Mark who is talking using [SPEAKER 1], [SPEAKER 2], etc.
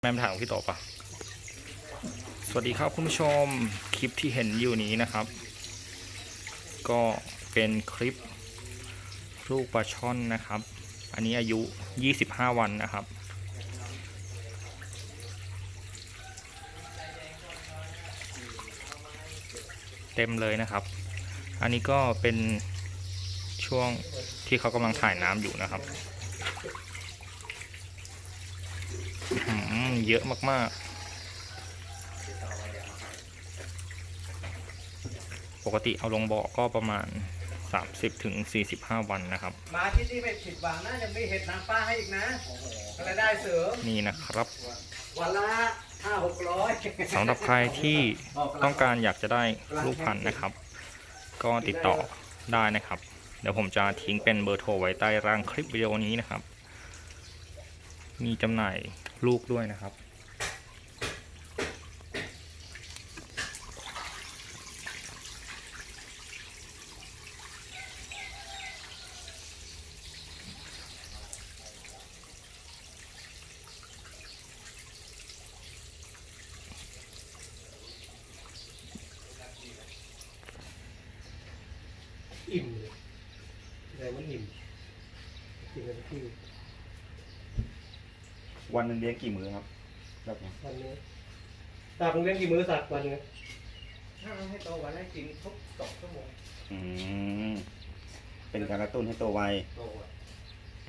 [SPEAKER 1] แม่ถามพี่ต่อปะสวัสดีครับคุณผู้ชมคลิปที่เห็นอยู่นี้นะครับ ก็เป็นคลิปลูกปลาช่อนนะครับ อันนี้อายุ25วันนะครับเต็มเลยนะครับ อันนี้ก็เป็นช่วงที่เขากำลังถ่ายน้ำอยู่นะครับเยอะมากๆปกติเอาลงบ่อก็ประมาณ30 ถึง 45 วันนะครับ
[SPEAKER 2] มาที่นี่ไม่ผิดหวังนะยังมีเห็ดนางฟ้าให้อีกนะรายได้เสริม
[SPEAKER 1] นี่นะครับ
[SPEAKER 2] วันละ500-600
[SPEAKER 1] สำหรับใครที่ต้องการอยากจะได้ลูกพันธุ์นะครับ ก็ติดต่อได้นะครับ เดี๋ยวผมจะทิ้งเป็นเบอร์โทรไว้ใต้ล่างคลิปวิดีโอนี้นะครับ มีจำหน่ายลูกด้วยนะครับ
[SPEAKER 2] อิ่มเลยอะไรมันอิ่มกินกันที่
[SPEAKER 3] วันหนึ่งเลี้ยงกี่มื้อครับแบบนี้
[SPEAKER 2] วันนี้ตาคงเลี้ยงกี่มื้อสัตว์วันนึงถ้าเราให้โตวันให้กินทุก2 ชั่วโมง
[SPEAKER 3] อืมเป็นการกระตุ้นให้โตไว
[SPEAKER 2] โต